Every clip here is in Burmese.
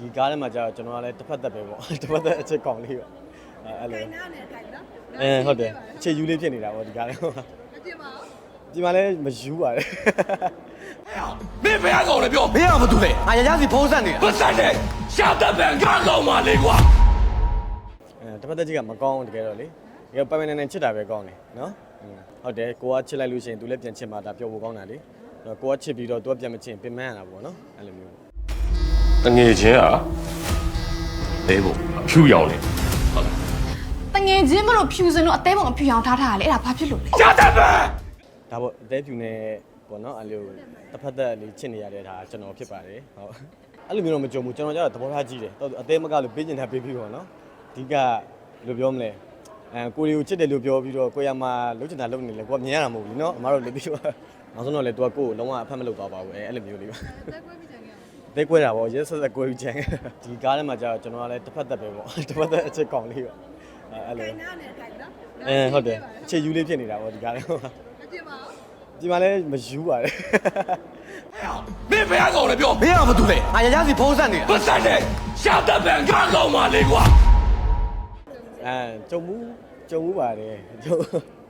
ဒီကားထဲမှာကြာကျွန်တော်ကလည်းတစ်ဖက်သက်ပဲပေါ့တစ်ဖက်သက်အချက်ကောင်လေးပေါ့အဲ့လိုဟုတ်တယ်အချက်ယူလေးဖြစ်နေတာပေါ့ဒီကားထဲမှာဒီမှာလည်းမယူပါနဲ့မင်းဘယ်ကောင်လဲပြောမင်းကဘာတူလဲငါရရစီဖုံးဆက်နေတာပတ်ဆက်တယ်ရှာတတ်ပံကားကောင်ပါလေကွာတစ်ဖက်သက်ကြီးကမကောင်းတကယ်တော့လေဒီကပိုင်ပိုင်နိုင်ချစ်တာပဲကောင်းတယ်နော်ဟုတ်တယ်ကိုကချစ်လိုက်လို့ရှိရင်သူလည်းပြန်ချစ်မှာဒါပြောဖို့ကောင်းတာလေကိုကချစ်ပြီးတော့သူကပြန်မချစ်ပင်ပန်းရတာပေါ့နော်အဲ့လိုမျိုးတငယ်ချင်းอ่ะတဲဖို့ဖြူရောင်လေတငယ်ချင်းမလို့ဖြူစင်လို့အသေးပုံအဖြူရောင်ထားထားရလေအဲ့ဒါဘာဖြစ်လို့လဲရှာတတ်ပံဒါပေါ့အသေးဖြူနေပေါ့နော်အဲ့လိုတစ်ဖက်သက်လေးချစ်နေရတဲ့ဒါကျွန်တော်ဖြစ်ပါတယ်ဟုတ်အဲ့လိုမျိုးတော့မကြုံဘူးကျွန်တော်ကျတော့သဘောထားကြီးတယ်အသေးမကလို့ပေးကျင်တာပေးပြီးပေါ့နော်အဓိကဘယ်လိုပြောမလဲကိုရီကိုချစ်တယ်လို့ပြောပြီးတော့ကိုရမှာလုံးချင်တာလုံးနေလေကိုကမြင်ရတာမဟုတ်ဘူးနော်အမတို့လည်းပြီးတော့နောက်ဆုံးတော့လေသူကကိုကိုလုံးဝအဖက်မလုပ်သွားပါဘူးအဲ့လိုမျိုးလေးပါတဲကွဲတာပေါ့ရဲဆက်ဆက်ကွဲပြီးချင်ဒီကားထဲမှာကြာကျွန်တော်ကလည်းတစ်ဖက်သက်ပဲပေါ့တစ်ဖက်သက်အချက်ကောင်လေးပေါ့အဲ့လိုဟုတ်တယ်အချက်ယူလေးဖြစ်နေတာပေါ့ဒီကားထဲမှာဒီမှာလည်းမယူပါနဲ့မင်းဘယ်ကောင်လဲပြောမင်းကဘာတူလဲငါရရစီဖုံးဆက်နေတာပတ်ဆက်တယ်ရှာတတ်ပံကားကောင်ပါလေကွာကြုံမှုပါတယ်ကြုံ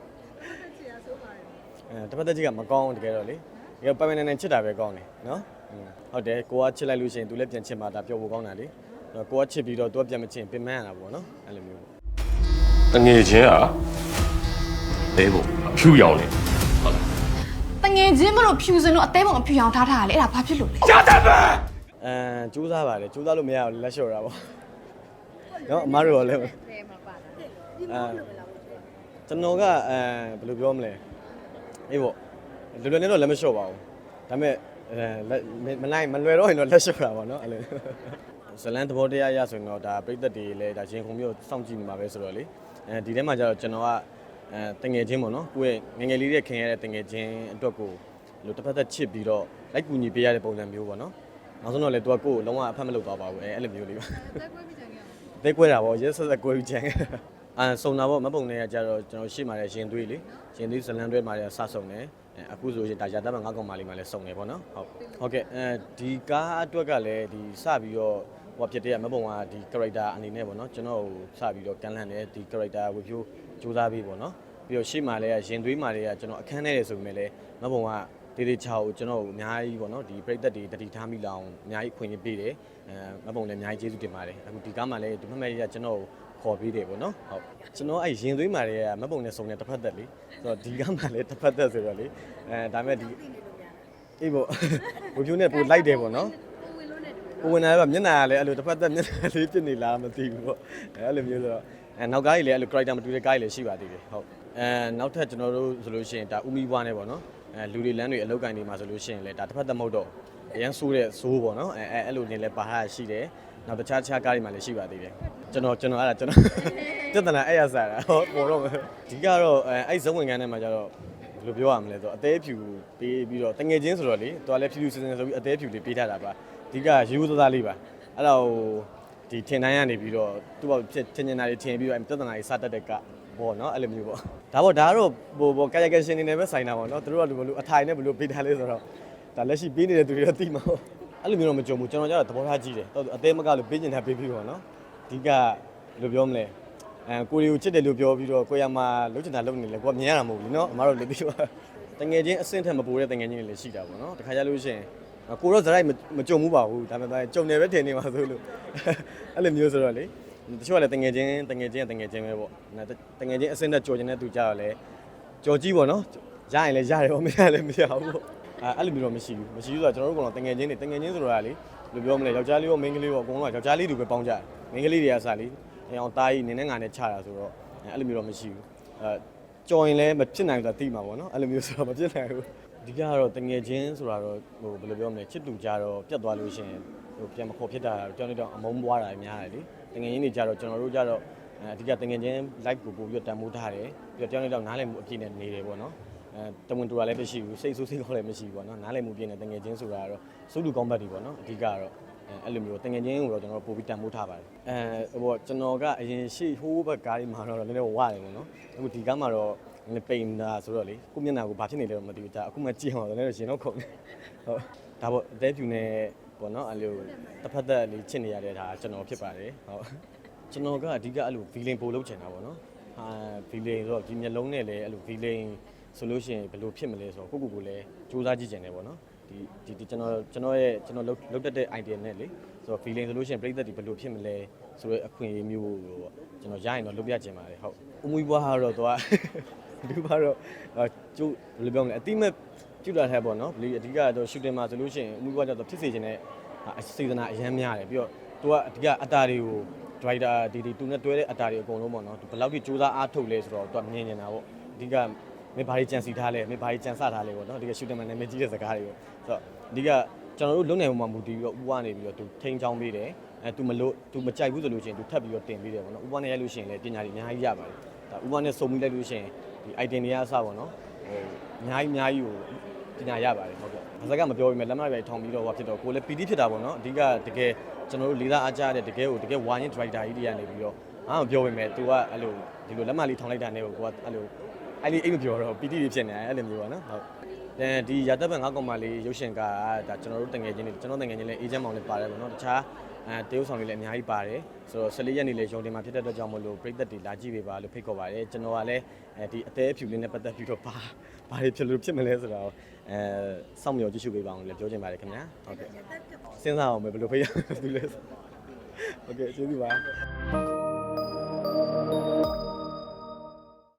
တစ်ဖက်သက်ကြီးကမကောင်းတကယ်တော့လေဒီကပိုင်ပိုင်နိုင်ချစ်တာပဲကောင်းတယ်နော်ဟုတ်တယ်ကိုကချစ်လိုက်လို့ရှိရင်သူလည်းပြန်ချစ်မှာဒါပြောဖို့ကောင်းတာလေကိုကချစ်ပြီးတော့သူကပြန်မချစ်ပင်ပန်းရတာပေါ့နော်အဲ့လိုမျိုးတငယ်ချင်းอ่ะတဲဖို့ဖြူရောင်လေတငယ်ချင်းမလို့ဖြူစင်လို့အသေးပုံအဖြူရောင်ထားထားရလေအဲ့ဒါဘာဖြစ်လို့လဲရှာတတ်ပံစူးစားပါတယ်စူးစားလို့မရဘူးလက်လျှော့တာပေါ့နော်အမားတို့လည်းကျွန်တော်ကဘယ်လိုပြောမလဲအေးပေါ့လွယ်လွယ်နဲ့တော့လက်မလျှော့ပါဘူးဒါပေမဲ့မလွယ်တော့ရင်တော့လက်လျှော့တာပေါ့နော်အဲ့လိုဇလန်သဘောတရားရဆိုရင်တော့ဒါပြိသက်တွေလည်းဒါရင်ခုံမျိုးစောင့်ကြည့်နေမှာပဲဆိုတော့လေဒီထဲမှာကျတော့ကျွန်တော်ကတငယ်ချင်းပေါ့နော်ကိုယ့်ရဲ့ငယ်လေးတွေခင်ရတဲ့တငယ်ချင်းအတွက်ကိုလို့တစ်ဖက်သက်ချစ်ပြီးတော့လိုက်ကူညီပေးရတဲ့ပုံစံမျိုးပေါ့နော်နောက်ဆုံးတော့လေသူကကိုယ်လုံးဝအဖက်မလုပ်သွားပါဘူးအဲ့လိုမျိုးလေးပါတဲကွဲတာပေါ့ရဲဆက်ဆက်ကွဲပြီးချင်စုံတာပေါ့မပုံနဲ့ကကြတော့ကျွန်တော်ရှေ့မှာလည်းရင်သွေးလေရင်သွေးဇလန်တွဲမှာလည်းစဆုံတယ်အခုဆိုရင်ဒါရတတ်မှ9កောင်မာလေးမှာလည်းစုံတယ်ပေါ့နော်ဟုတ်ကဲ့ဒီကားအတွက်ကလည်းဒီစပြီးတော့ဟိုဖြစ်တဲ့မပုံကဒီ character အနေနဲ့ပေါ့နော်ကျွန်တော်စပြီးတော့ကန်လန့်တယ်ဒီ character ဝေဖြိုးစူးစမ်းပြီးပေါ့နော်ပြီးတော့ရှေ့မှာလည်းရင်သွေးမှာလည်းကျွန်တော်အခန်းထဲတယ်ဆိုပေမဲ့လည်းမပုံကတေးသေးချာကိုကျွန်တော်အများကြီးပေါ့နော်ဒီပြိသက်တွေတတိထားမိလောင်အများကြီးခွင့်ရပေးတယ်မပုံလည်းအများကြီးကျေးဇူးတင်ပါတယ်အခုဒီကားမှာလည်းဒီမှတ်ရကျွန်တော်ခေါ်ပေးတယ်ပေါ့နော်ဟုတ်ကျွန်တော်အဲ့ရင်သွေးမာတွေကမပုံနဲ့စုံတဲ့တစ်ဖက်သက်လေဆိုတော့ဒီကမှလည်းတစ်ဖက်သက်ဆိုတော့လေဒါမဲ့ဒီအေးပေါ့ဝေဖြိုးနဲ့ပို့လိုက်တယ်ပေါ့နော်ကိုဝင်လာတော့မျက်နှာကလည်းအဲ့လိုတစ်ဖက်သက်မျက်နှာလေးဖြစ်နေလားမသိဘူးပေါ့အဲ့လိုမျိုးဆိုတော့နောက်ကားကြီးလည်းအဲ့လို character မတူတဲ့ကားကြီးလည်းရှိပါသေးတယ်ဟုတ်နောက်ထပ်ကျွန်တော်တို့ဆိုလို့ရှိရင်ဒါဦးမီဘွားနဲ့ပေါ့နော်လူတွေလမ်းတွေအလောက်ကန်နေမှာဆိုလို့ရှိရင်လည်းဒါတစ်ဖက်သက်မဟုတ်တော့အရန်ဆိုးတဲ့ဆိုးပေါ့နော်အဲ့လိုနေလဲပါဟာရှိတယ်နောက်တခြားကားတွေမှာလည်းရှိပါသေးတယ်ကျွန်တော်အဲ့ဒါကျွန်တော်ပြဿနာအဲ့ရစားတာဟောပေါ်တော့ဒီကတော့အဲ့ဇဝင်ကန်းထဲမှာကျတော့ဘယ်လိုပြောရမလဲဆိုတော့အသေးဖြူပေးပြီးတော့တငယ်ချင်းဆိုတော့လေတော်လည်းဖြူဖြူစင်စင်ဆိုပြီးအသေးဖြူလေးပေးထားတာပါအဓိကရိုးသားသားလေးပါအဲ့ဒါဟိုဒီထင်တိုင်းကနေပြီးတော့သူ့ဘောထင်နေတာတွေထင်ပြီးတော့ပြဿနာတွေစတတ်တဲ့ကပေါ့နော်အဲ့လိုမျိုးပေါ့ဒါကတော့ဟိုကာယကရှင်နေနေပဲဆိုင်တာပေါ့နော်သူတို့ကဘယ်လိုအထိုင်နဲ့ဘယ်လိုပေးထားလဲဆိုတော့ဒါလက်ရှိပေးနေတဲ့သူတွေတော့သိမှာပေါ့အဲ့လိုမျိုးတော့မကြုံဘူးကျွန်တော်ကျတော့သဘောထားကြီးတယ်အသေးမကလို့ပေးကျင်တာပေးပြီးပေါ့နော်အဓိကဘယ်လိုပြောမလဲကိုရီကိုချစ်တယ်လို့ပြောပြီးတော့ကိုရမှာလုံးချင်တာလုံးနေလေကိုကမြင်ရတာမဟုတ်ဘူးနော်အမတို့လည်းသိပါတငယ်ချင်းအဆင့်ထက်မပိုတဲ့တငယ်ချင်းတွေလည်းရှိတာပေါ့နော်တခါကြလို့ရှိရင်ကိုတော့ဇရိုက်မကြုံဘူးပါဘူးဒါပေမဲ့ကြုံနေပဲထင်နေမှာဆိုလို့အဲ့လိုမျိုးဆိုတော့လေတချို့ကလည်းတငယ်ချင်းပဲပေါ့တငယ်ချင်းအဆင့်နဲ့ကြော်ချင်တဲ့သူကြတော့လေကြော်ကြီးပေါ့နော်ရရင်လည်းရတယ်ပေါ့မရလည်းမရဘူးပေါ့အဲ့လိုမျိုးတော့မရှိဘူးဆိုတော့ကျွန်တော်တို့ကတော့တငယ်ချင်းဆိုတော့လေဘယ်လိုပြောမလဲယောက်ျားလေးရောမိန်းကလေးရောအကုန်လုံးကယောက်ျားလေးတူပဲပေါင်းကြတယ်မိန်းကလေးတွေကစားလေအောင်တားကြီးနင်းနဲ့ငါနဲ့ချတာဆိုတော့အဲ့လိုမျိုးတော့မရှိဘူးကြော်ရင်လည်းမဖြစ်နိုင်ဘူးဆိုတာသိမှာပေါ့နော်အဲ့လိုမျိုးဆိုတော့မဖြစ်နိုင်ဘူးအဓိကကတော့တငယ်ချင်းဆိုတာတော့ဟိုဘယ်လိုပြောမလဲချစ်တူကြတော့ပြတ်သွားလို့ရှိရင်ဟိုပြန်မခေါ်ဖြစ်တာကြောင်းနေတော့အမုန်းပွားတာများတယ်လေတငယ်ချင်းတွေကြတော့ကျွန်တော်တို့ကြတော့အဓိကတငယ်ချင်း live ကိုပို့ပြီးတန်ဖိုးထားတယ်ပြီးတော့ကြောင်းနေတော့နားလည်မှုအပြည့်နဲ့နေတယ်ပေါ့နော်တဝင်တူတာလည်းမရှိဘူးစိတ်ဆိုးစိတ်ခေါ်လည်းမရှိဘူးပေါ့နော်နားလည်မှုပြည့်နဲ့တငယ်ချင်းဆိုတာကတော့စုလူကောင်းဘတ်တွေပေါ့နော်အဓိကတော့အဲ့လိုမျိုးတငယ်ချင်းကိုတော့ကျွန်တော်ပို့ပြီးတန်ဖိုးထားပါတယ်ဟိုကျွန်တော်ကအရင်ရှေ့ဟိုးဘက်ကားလေးမှာတော့လည်းဝရတယ်ပေါ့နော်အခုဒီကားမှာတော့ပိန်တာဆိုတော့လေကိုမျက်နှာကိုဘာဖြစ်နေလဲတော့မသိဘူးဒါအခုမှကြည့်အောင်တော့လည်းရင်တော့ခုန်နေဟုတ်ဒါပေါ့အသေးဖြူနေပပေါ့နော်အဲ့လိုတစ်ဖက်သက်လေးချစ်နေရတဲ့ဒါကျွန်တော်ဖြစ်ပါတယ်ဟုတ်ကျွန်တော်ကအဓိကအဲ့လို villain ပို့လုပ်ချင်တာပေါ့နော်ဟာ villain ဆိုတော့ဒီမျက်လုံးနဲ့လည်းအဲ့လို villain ဆိုလို့ရှိရင်ဘယ်လိုဖြစ်မလဲဆိုတော့ကိုလည်းစူးစမ်းကြည့်ချင်တယ်ပေါ့နော်ဒီကျွန်တော်လုပ်တတ်တဲ့ idea နဲ့လေဆိုတော့ villain ဆိုလို့ရှိရင်ပြည်သက်တွေဘယ်လိုဖြစ်မလဲဆိုတော့အခွင့်အရေးမျိုးပေါ့ကျွန်တော်ရရင်တော့လုပ်ပြချင်ပါတယ်ဟုတ်အမွေးဘွားကတော့သူကဒီဘွားတော့ကျိုးဘယ်လိုပြောမလဲအတိမဲ့ကျူတာထဲပေါ့နော်အဓိကတော့ shooting မှာဆိုလို့ရှိရင်အမွေးဘွားကတော့ဖြစ်စေချင်တဲ့အစေတနာအရမ်းများတယ်ပြီးတော့သူကအဓိကအတာတွေကို driver ဒီတူနဲ့တွဲတဲ့အတာတွေအကုန်လုံးပေါ့နော်ဘယ်လောက်ထိစူးစမ်းအားထုတ်လဲဆိုတော့သူကမြင်နေတာပေါ့အဓိကမင်းဘာကြီးကြံစီထားလဲမင်းဘာကြီးကြံစထားလဲပေါ့နော်ဒီက shooting မှာနာမည်ကြီးတဲ့စကားတွေပေါ့ဆိုတော့အဓိကကျွန်တော်တို့လုံနိုင်ပုံမှာမူတည်ပြီးတော့ဥပကနေပြီးတော့သူထိန်းချောင်းပေးတယ်သူမကြိုက်ဘူးဆိုလို့ရှိရင်သူထပ်ပြီးတော့တင်ပေးတယ်ပေါ့နော်ဥပနဲ့ရိုက်လို့ရှိရင်လည်းပညာတွေအများကြီးရပါတယ်ဒါဥပနဲ့စုံပြီးလိုက်လို့ရှိရင်ဒီ item တွေကအစပေါ့နော်ဟိုအများကြီးကိုပညာရပါတယ်ဟုတ်ကဲ့ဘာစကားမပြောပြီးမဲ့လက်မရိုက်ထောင်ပြီးတော့ဟောဖြစ်တော့ကိုလည်း PD ဖြစ်တာပေါ့နော်အဓိကတကယ်ကျွန်တော်တို့လေးစားအားကြတဲ့တကယ်ဝါရင် driver ကြီးတွေကနေပြီးတော့အားမပြောပြီးမဲ့ तू ကအဲ့လိုဒီလိုလက်မလေးထောင်လိုက်တာနဲ့ကိုကအဲ့လိုအဲ့ဒီအိမ်မပြောတော့ PD တွေဖြစ်နေတယ်အဲ့လိုမျိုးပါနော်ဟုတ်ဒီရာသက်ဘက်9កောင်မလေးရုပ်ရှင်ကဒါကျွန်တော်တို့တငယ်ချင်းတွေကျွန်တော်တငယ်ချင်းလည်းအေဂျင့်မောင်လည်းပါတယ်ပေါ့နော်တခြားတရုပ်ဆောင်တွေလည်းအများကြီးပါတယ်ဆိုတော့14ရက်နေ့လည်းရုံတင်မှာဖြစ်တဲ့အတွက်ကြောင့်မလို့ပြည်သက်တွေလာကြည့်ပေးပါလို့ဖိတ်ခေါ်ပါတယ်ကျွန်တော်ကလည်းဒီအသေးအဖြူလေးနဲ့ပတ်သက်ပြီးတော့ဘာတွေဖြစ်မလဲဆိုတော့စောင့်မျှော်ကြည့်ရှုပေးပါအောင်လည်းပြောချင်ပါတယ်ခင်ဗျာဟုတ်ကဲ့စဉ်းစားအောင်ပဲဘယ်လိုဖိတ်ရမလဲဟုတ်ကဲ့ကျေးဇူးပါ